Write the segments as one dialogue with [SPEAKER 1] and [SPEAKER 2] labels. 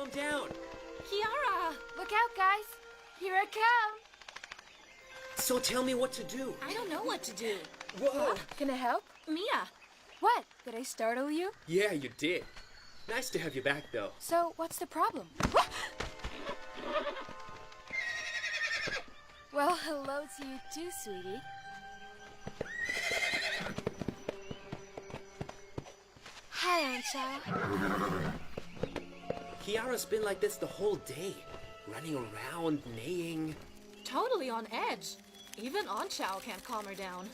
[SPEAKER 1] calm down.
[SPEAKER 2] Kiara!
[SPEAKER 3] Look out, guys! Here I come!
[SPEAKER 1] So tell me what to do.
[SPEAKER 2] I don't know what to do.
[SPEAKER 1] Whoa!
[SPEAKER 3] Can I help?
[SPEAKER 2] Mia!
[SPEAKER 3] What? Did I startle you?
[SPEAKER 1] Yeah, you did. Nice to have you back, though.
[SPEAKER 3] So, what's the problem? Well, hello to you too, sweetie. Hi, Aunt Chow.
[SPEAKER 1] Kiara's been like this the whole day. Running around, neighing.
[SPEAKER 2] Totally on edge. Even Aunt Chow can't calm her down.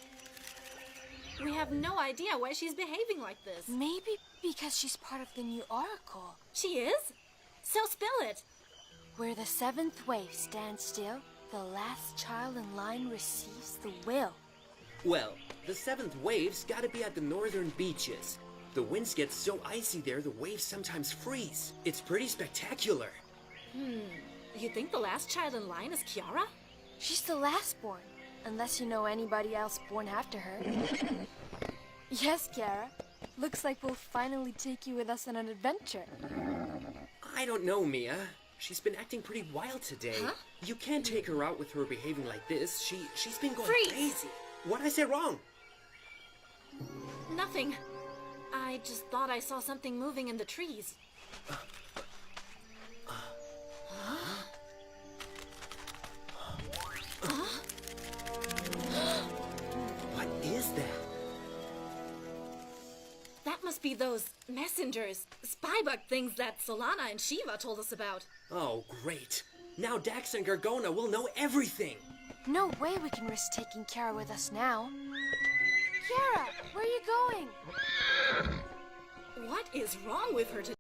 [SPEAKER 2] We have no idea why she's behaving like this.
[SPEAKER 3] Maybe because she's part of the new oracle.
[SPEAKER 2] She is? So spill it.
[SPEAKER 3] Where the seventh wave stands still, the last child in line receives the will.
[SPEAKER 1] Well, the seventh wave's gotta be at the northern beaches. The winds get so icy there, the waves sometimes freeze. It's pretty spectacular.
[SPEAKER 2] You think the last child in line is Kiara?
[SPEAKER 3] She's the last born, unless you know anybody else born after her. Yes, Kiara. Looks like we'll finally take you with us on an adventure.
[SPEAKER 1] I don't know, Mia. She's been acting pretty wild today.
[SPEAKER 2] Huh?
[SPEAKER 1] You can't take her out with her behaving like this. She's been going
[SPEAKER 2] Freeze!
[SPEAKER 1] crazy. What'd I say wrong?
[SPEAKER 2] Nothing. I just thought I saw something moving in the trees.
[SPEAKER 1] What is that?
[SPEAKER 2] That must be those messengers, spybug things that Solana and Shiva told us about.
[SPEAKER 1] Oh, great. Now Dax and Gargona will know everything.
[SPEAKER 3] No way we can risk taking Kiara with us now. Kiara, where are you going?
[SPEAKER 2] What is wrong with her today?